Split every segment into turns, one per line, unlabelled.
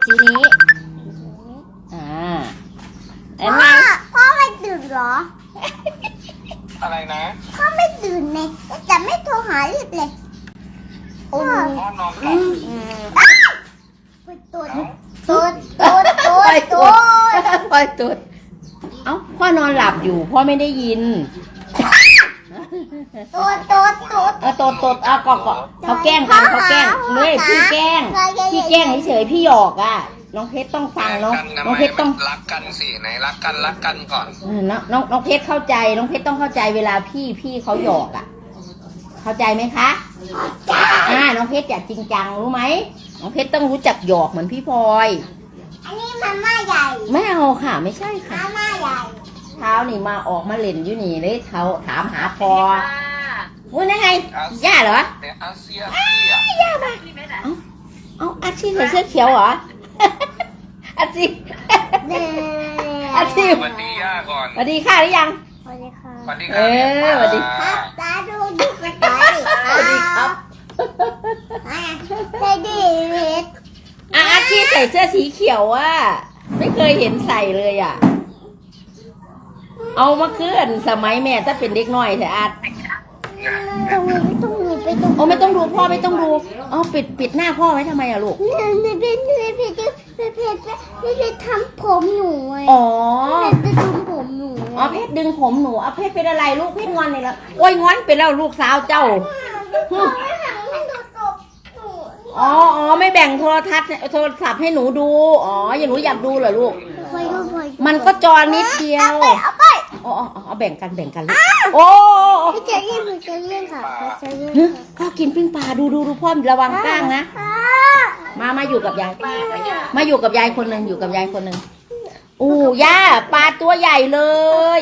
สีนี้แล้วไง
พ่อไม่ตื่นเหรอ
อะไรนะ
พ่อไม่ตื่นเลยแต่ไม่โทรหารีบเลยพ่อ
พ่อนอนหลับ
ตูดตูดตูดตู
ปล่อย
ด
ตู
ตู
ด
ด
ปล่อยตูดเอ้าพ่อนอนหลับอยู่พ่อไม่ได้ยิน
ตูดตูดตูด
ตดก็เขาแกล้งกันเขาแกล้งเลยพี่แกล้งเฉยๆพี่หยอกอ่ะน้องเพชรต้องฟังน้องเพชรต้อง
รักกันสิไหนรักกันก่อน
น้องเพชรเข้าใจน้องเพชรต้องเข้าใจเวลาพี่เขาหยอกอ่ะเข้าใจไหมคะน้องเพชรอยากจริงจังรู้ไหมน้องเพชรต้องรู้จักหยอกเหมือนพี่พลอย
อันนี้มาม่าใหญ่
ไม่เอาค่ะไม่ใช่ค่ะ
มาม่าใหญ่
เช้านี่มาออกมาเล่นอยู่นี่เลยเขาถามหาพอวุ้ยนั่นไงย่าเหรอ
แต่อาเซีย
ย่ามาเอาอาชีพใส่เสื้อเขียวเหรออาชีพ
เด้
อาชีพ
สวัสดีย่าก่อน
สวัสดีค่ะหรือยัง
สวัสดีค่ะ
สวัสดีค
เอ
รับ
อสวัสดี
ครับตาดูดูกระต่าย
สวัสดีครับ
เฮดี้เวท
อาชีพใส่เสื้อสีเขียวอ่ะไม่เคยเห็นใส่เลยอ่ะเอามาเคลื่อนสมัยแม่ถ้าเป็นเด็กน้อยแต่อาจ
ตรงนี้ตรงนี้ไปตรง
โอ้ไม่ต้องดูพ่อไม่ต้องดูอ๋อปิดหน้าพ่อไว้ทำไมอะลูก
นี่เพชรทำผมหนูไง
อ๋อ
เพชรจะทำผมหนู
อ๋อเพชรดึงผมหนูเอาเพชรเป็นอะไรลูกเพชรงอนเลยแล้วโอ้ยงอนเป็นแล้วลูกสาวเจ้า อ๋อไม่แบ่งโทรศัพท์ให้หนูดูอ๋ออย่าหนูอยากดูเหรอลูกมันก็จอนิดเดียวเอาแบ่งกันลูกโอ้
พี่เจเล่นค่ะพี่เจเล่น
พ่อกินปิ้งปลาดูพ่อระวังก้างนะมาอยู่กับยายมาอยู่กับยายคนหนึ่งอยู่กับยายคนหนึ่งอู้ย่าปลาตัวใหญ่เลย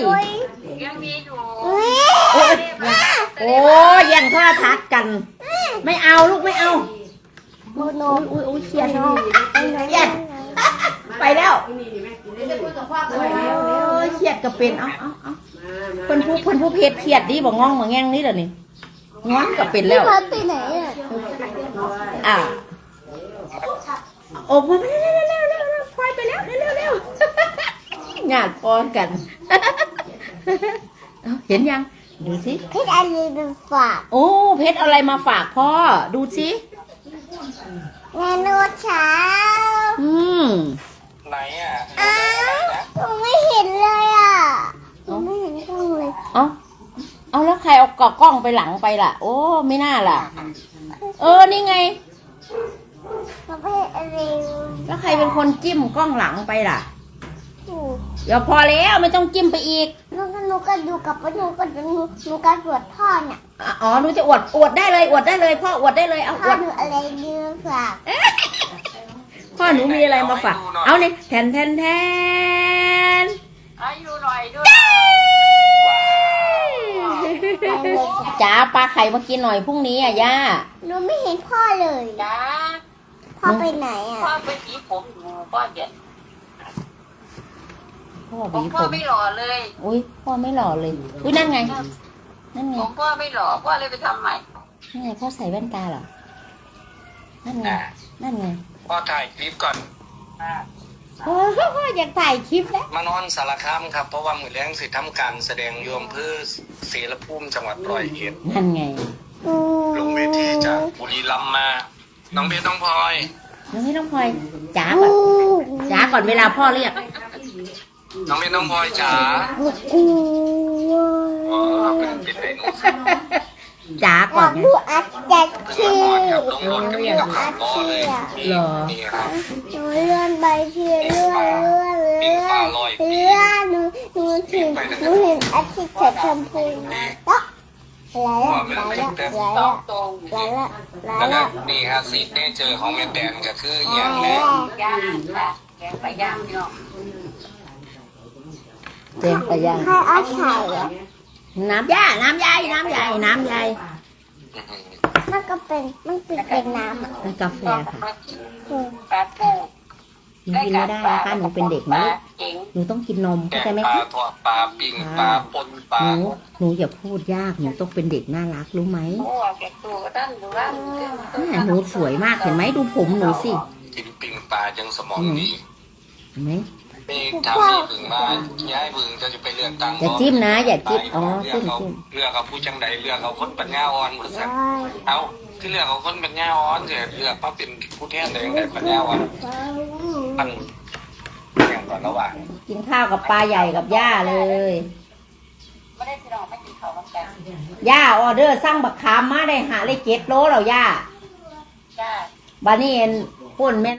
โอ้แย่งโทรทัศน์กันไม่เอาลูกไม่เอา
โมโน
อุ้ยเครียดเครียดไปแล้วโอ้ยเครียดก็เป็นเอาเพิ่นผู้เพจเครียดดิบอกง่องมาแง่งนี่เดี๋ยวนี้ง้อนก็เป็นแล้ว
พัดไปไหนอ่ะ
โอ้พอพอยไปแล้วเร็วหยาดพอนกันเห็นยังดูสิ
เพชรอะไรเป็นฝาก
โอ้เพชรอะไรมาฝากพ่อดูสิ
เมนูเช้า
ไหนอ่ะ
อ้าวหนูไม่เห็นเลยอ่ะหนูไม่เห็นกล้องเลย
เอาแล้วใครเอากล้องไปหลังไปล่ะ โอ้ไม่น่าล่ะนี่ไง
ประเภทอะไร
แล้วใครเป็นคนจิ้มกล้องหลังไปล่ะ
ถูก
เดี๋ยวพอแล้วไม่ต้องจิ้มไปอีก
หนูก็ดูกับหนูก็ตรวจพ่อเนี่ย
อ๋อหนูจะอวดได้เลยพ่ออวดได้เลยเอาอ
พ่อ
วด
ดูอะไรดีฝาก
พ่อหนูมีอะไรมาฝากเอาเนี่ยแทน
อายุหน่อยด้วย
จ๋าปลาไข่มากินหน่อยพรุ่งนี้อ่ะย่า
หนูไม่เห็นพ่อเลย
จ้า
พ่อไปไหนอ่ะ
พ่อไปสีผมอยู่พ่อเด็ด
พ่อ
ผ
บี
ม
ผ
พ่อ
ม
ไม่หล่อเลย
อุ้ยพ่อไม่หล่อเลยอุ้ยนั่นไง
ผมพ่อไม่หล่อพ่อเลยไปทำใหม่
นั่นไงพ่อใส่แว่นตาเหรอนั่นไง
พ่อถ่ายคลิปก่อน
พ่ออยากถ่ายคลิปแล้ว
มานอนสารคามครับเพราะว่ามือแรงสิทำการแสดงโยมเพื่อเสรภูมิจังหวัดร้อยเอ็ด
นั่นไง
ลงเวทีจากบุรีรัมย์มาน้องเบสน้องพลอย
น้องไม่ต้องพลอยจ๋าก่อนเวลาพ่อเรียก
น้องเบสน้องพลอยจ๋า
กู
อ๋อเป็นไดโนเสาร์
จ๋า
อ
ก่อย
าน ก
ไง
ดูอัดจัด
เพื่
ที่
อนกับน้องรถกับพี่กับขับล้อเลยนี่ครับ
หนูเลื่อนไปที่เลื่อนหนูเห็นอาทิตย์เกิดชมพูแล้ว
ตรง
แล้วก็นี่ฮะซีดเนเจอร์ของแม่แตนก็คืออย่างแรก
ย่างค่ะแกงไปย่างเนาะ
เต็มไปยัง
ใครเอาไข่อะ
น้ำใหญ่มันก็
เป็นน้ำอ่ะ
เป็นกาแฟค่ะ
ปลาแก้ว
หนูกินไม่ได้นะคะหนูเป็นเด็กนะหนูต้องกินนม
แก
เข้าใจ
ง
ไหม
ปลา
คะ
ทอดปลาปิ้งปลาปนปลา
หนูอย่าพูดยากหนูต้องเป็นเด็กน่ารักรู้ไหม
โอ้แกตัวก็ตั้งดูว่า
หนูสวยมากเห็นไหมดูผมหนูสิ
กินปิ้งปลาลาจังสมองดี
เห็นไหม
มีถามพี่บึงมาย้ายบึงจะไปเลือกตั้ง
อย่าจิ้มนะอย่าจิ้มอ๋อ
เลื
จิ้
อก
ม
เขา
จิ้ม
เลือกเขาผู้จังใดเลือกเขาคนปัญญาอ่อนหมดสักเอาที่เลือกเขาคนปัญญาอ่อนเสียเลือกมาเป็นผู้แทนได้แต่ปัญญาอ่อนมันอย่างก่อนระหว่าง
กินข้าวกับปลาใหญ่กับย่าเลย
ไม่ได้พี่น้องไม่กินข้าวกัน
ย่าออเดอร์สั่งบักขามมาได้หาเลย7 โลแล้วย่า
จ้า
บานี่เอ็นป่นแม่